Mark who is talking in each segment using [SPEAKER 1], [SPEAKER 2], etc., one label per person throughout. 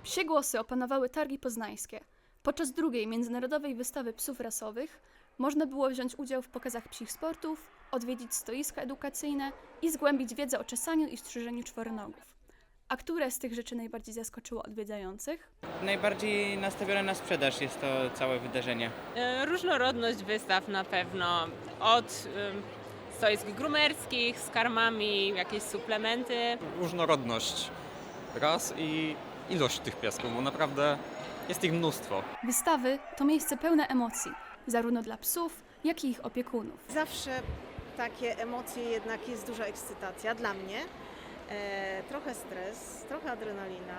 [SPEAKER 1] Psie głosy opanowały targi poznańskie. Podczas drugiej międzynarodowej wystawy psów rasowych można było wziąć udział w pokazach psich sportów, odwiedzić stoiska edukacyjne i zgłębić wiedzę o czesaniu i strzyżeniu czworonogów. A które z tych rzeczy najbardziej zaskoczyło odwiedzających?
[SPEAKER 2] Najbardziej nastawione na sprzedaż jest to całe wydarzenie.
[SPEAKER 3] Różnorodność wystaw na pewno, od stoisk grumerskich z karmami, jakieś suplementy.
[SPEAKER 4] Różnorodność ras i ilość tych piesków, bo naprawdę jest ich mnóstwo.
[SPEAKER 1] Wystawy to miejsce pełne emocji, zarówno dla psów, jak i ich opiekunów.
[SPEAKER 5] Zawsze takie emocje jednak jest duża ekscytacja dla mnie. Trochę stres, trochę adrenalina,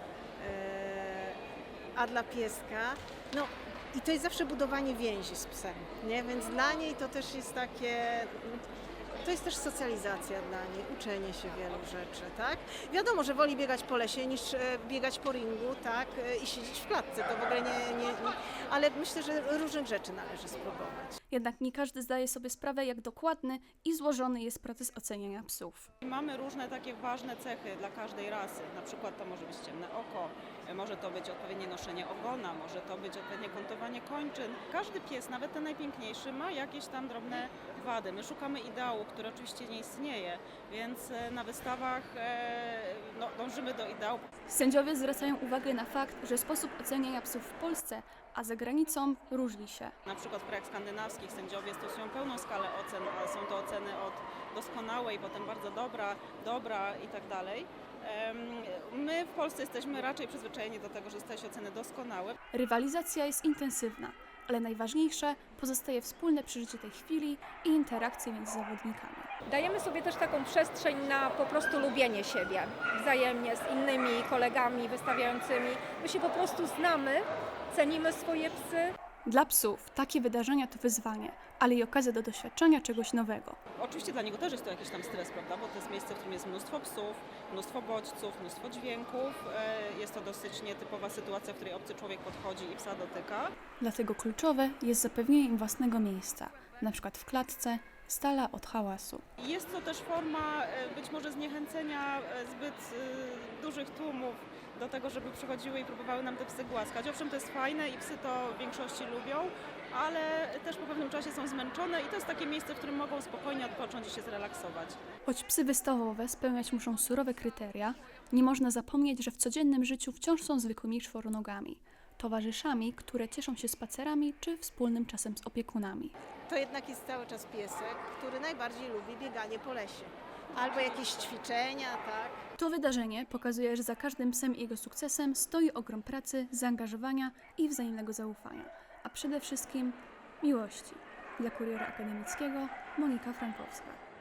[SPEAKER 5] a dla pieska, no i to jest zawsze budowanie więzi z psem, nie? Więc dla niej to też jest takie, to jest też socjalizacja dla niej, uczenie się wielu rzeczy, tak? Wiadomo, że woli biegać po lesie niż biegać po ringu, tak? I siedzieć w klatce, to w ogóle nie, ale myślę, że różnych rzeczy należy spróbować.
[SPEAKER 1] Jednak nie każdy zdaje sobie sprawę, jak dokładny i złożony jest proces oceniania psów.
[SPEAKER 6] Mamy różne takie ważne cechy dla każdej rasy. Na przykład to może być ciemne oko, może to być odpowiednie noszenie ogona, może to być odpowiednie kątowanie kończyn. Każdy pies, nawet ten najpiękniejszy, ma jakieś tam drobne wady. My szukamy ideału, który oczywiście nie istnieje, więc na wystawach dążymy do ideału.
[SPEAKER 1] Sędziowie zwracają uwagę na fakt, że sposób oceniania psów w Polsce, a za granicą różni się.
[SPEAKER 6] Na przykład w krajach skandynawskich sędziowie stosują pełną skalę ocen, a są to oceny od doskonałej, potem bardzo dobra i tak dalej. My w Polsce jesteśmy raczej przyzwyczajeni do tego, że zostaje się oceny doskonałe.
[SPEAKER 1] Rywalizacja jest intensywna, ale najważniejsze pozostaje wspólne przeżycie tej chwili i interakcje między zawodnikami.
[SPEAKER 7] Dajemy sobie też taką przestrzeń na po prostu lubienie siebie wzajemnie z innymi kolegami wystawiającymi. My się po prostu znamy, cenimy swoje psy.
[SPEAKER 1] Dla psów takie wydarzenia to wyzwanie, ale i okazja do doświadczenia czegoś nowego.
[SPEAKER 6] Oczywiście dla niego też jest to jakiś tam stres, prawda, bo to jest miejsce, w którym jest mnóstwo psów, mnóstwo bodźców, mnóstwo dźwięków. Jest to dosyć nietypowa sytuacja, w której obcy człowiek podchodzi i psa dotyka.
[SPEAKER 1] Dlatego kluczowe jest zapewnienie im własnego miejsca, na przykład w klatce, z dala od hałasu.
[SPEAKER 6] Jest to też forma być może zniechęcenia zbyt dużych tłumów do tego, żeby przychodziły i próbowały nam te psy głaskać. Owszem, to jest fajne i psy to w większości lubią, ale też po pewnym czasie są zmęczone i to jest takie miejsce, w którym mogą spokojnie odpocząć i się zrelaksować.
[SPEAKER 1] Choć psy wystawowe spełniać muszą surowe kryteria, nie można zapomnieć, że w codziennym życiu wciąż są zwykłymi czworonogami, towarzyszami, które cieszą się spacerami czy wspólnym czasem z opiekunami.
[SPEAKER 5] To jednak jest cały czas piesek, który najbardziej lubi bieganie po lesie. Albo jakieś ćwiczenia, tak?
[SPEAKER 1] To wydarzenie pokazuje, że za każdym psem i jego sukcesem stoi ogrom pracy, zaangażowania i wzajemnego zaufania, a przede wszystkim miłości. Dla Kuriera Akademickiego Monika Frankowska.